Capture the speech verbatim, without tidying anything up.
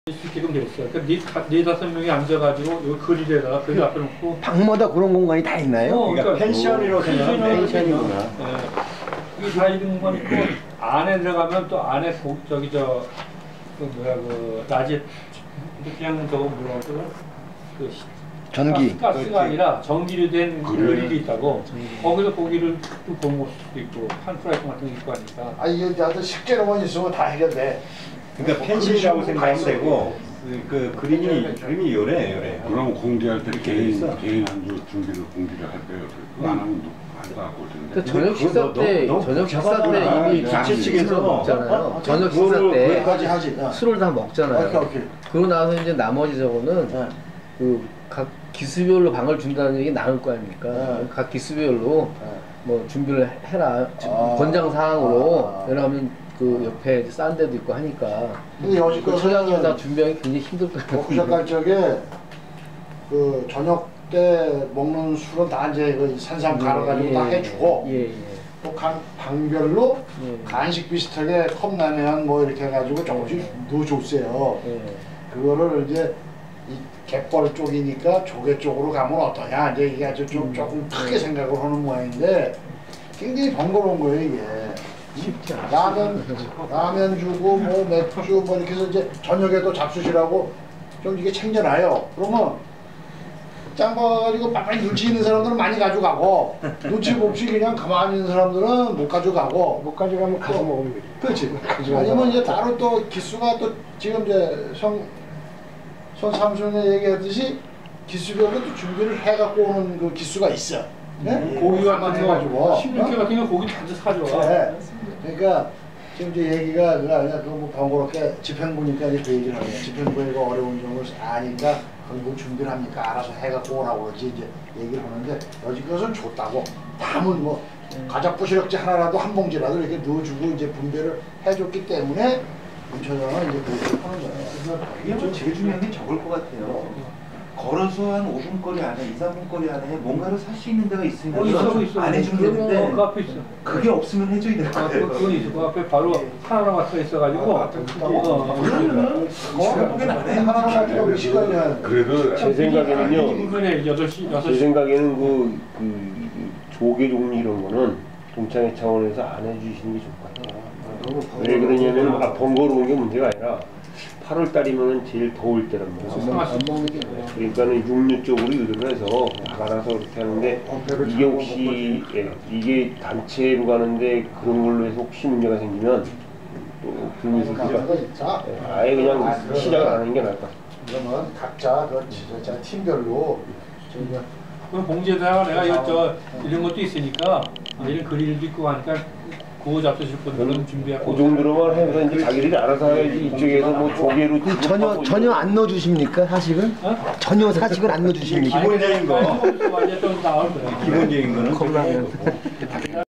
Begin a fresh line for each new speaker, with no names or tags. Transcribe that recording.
지금 됐어. 그러니까 네, 네 다섯 명이 앉아가지고 요 그릴에다가 그릴 앞에 놓고
방마다 그런 공간이 다 있나요?
어,
그러니까, 그러니까 펜션이라고 생각하면 펜션이구나.
예. 이게 다 이런 건 있고 안에 들어가면 또 안에 고, 저기 저 그 뭐야 그 낮에 그냥 저거 뭐라 그러더라 그
전기
가스, 가스가 아니라 전기로 된 그릴이 있다고. 거기서 고기를 또 구워 먹을 수도 있고 한 프라이팬 같은 거 있고 하니까.
아 이게 나도 식재료만 있으면 다 해결돼.
그러니까 펜션이라고 생각하면 되고 그, 그 그림이 그림이 요래 요래.
그럼 공개할 때 개인 개인 한주 준비를 공개를 할 때요. 그거 안 하면 안다 고
그 저녁 식사 때
너, 너,
저녁 식사 때 이미
기체 측에서
먹잖아요. 저녁 식사 때
그거까지 하지.
술을 다 먹잖아요.
오케이, 오케이.
그러고 나서 이제 나머지 저거는
네.
그 각 기수별로 방을 준다는 얘기 나눌 거 아닙니까?
네.
각 기수별로
네.
뭐 준비를 해라
아.
권장 사항으로
아.
왜냐하면 그 옆에 싼 데도 있고 하니까
근데
그
여지껏
처장님이 다 준비하기 굉장히 힘들 거예요.
워크숍 갈 적에 그 저녁 때 먹는 술은 다 이제 그 산삼 갈아가지고
예,
다 해주고
예, 예.
또 각 방별로
예.
간식 비슷하게 컵라면 뭐 이렇게 해가지고 조금씩 넣어줬어요.
예.
그거를 이제 이 갯벌 쪽이니까 조개 쪽으로 가면 어떠냐 이제 이게 아주 좀
음.
조금 크게 생각을 하는 모양인데 굉장히 번거로운 거예요 이게.
쉽지 않아.
라면 라면 주고 뭐 맥주 뭐 이렇게 해서 이제 저녁에도 잡수시라고 좀 이게 챙겨놔요. 그러면 짱 봐가지고 빨리 눈치 있는 사람들은 많이 가져가고 눈치 없이 그냥 가만히 있는 사람들은 못 가져가고
못 가져가면 가서 먹으면 되지.
그렇지. 아니면 이제 따로 또 기수가 또 지금 이제 성, 손 삼순이 얘기했듯이 기수별로 또 준비를 해갖고 오는 그 기수가 있어. 네?
고기 같은
해가지고.
거 십육 개 같은 거 고기 다 사줘.
네. 그러니까 지금 이제 얘기가 그냥 뭐 번거롭게 집행부니까 이제 그 얘기를 하네요. 집행부가 어려운 점을 아니까 거기 뭐 준비를 합니까? 알아서 해갖고 오라고 그러지 이제 얘기를 하는데 여지껏은 줬다고 남은 뭐 과자 부시럭지 하나라도 한 봉지라도 이렇게 넣어주고 이제 분배를 해줬기 때문에 문처장은 이제 그렇게 하는 거예요.
이게 좀 제일 중요한 게 저걸 것 같아요. 걸어서 한 오 분 거리 안에, 이, 삼 분 거리 안에 뭔가를 살 수 있는 데가 있으면
어, 있어, 있어.
안 해주면
그러면
되는데
그 앞에 있어.
그게 없으면 해줘야 될 것
아,
같아요.
그건 있어. 그 앞에 바로 하나하나 써 있어가지고.
아,
어,
그러면은 생각보기엔 안 해.
하나로 가지고 몇 시간이야.
그래도 제 생각에는요.
이번에 여덟 시 여섯
제
시.
생각에는 그, 그 조개 종류 이런 거는 동창회 차원에서 안 해주시는 게 좋을 것 같아요. 왜 그러냐면 아, 번거로운 게 문제가 아니라 팔월 달이면 제일 더울 때란 말이에요.
안 먹는 게 뭐야?
그러니까는 육류 쪽으로 의도를 해서 나가서 이렇게 하는데 이게 혹시 예, 이게 단체로 가는데 그런 걸로 해서 혹시 문제가 생기면 또 불미스 크죠.
자,
예, 아예 그냥 시작을 안 하는 게 나을 것 같아요.
그러면 각자 그 지도자 팀별로 저희가
그럼 봉지에다가 내가 이거 저 이런 것도 있으니까 아, 이런 그릴도 있고 하니까 구워 잡수실 분들은 준비하고.
그 정도로만 해서 이제 자기들이 알아서 해야지 이쪽에서 뭐 조개로
전혀 전혀 안 넣어주십니까 사식은?
어?
전혀 사식을 안 넣어주십니까?
기본적인 거.
완전 또 나올 거야.
기본적인 거는
컵라면.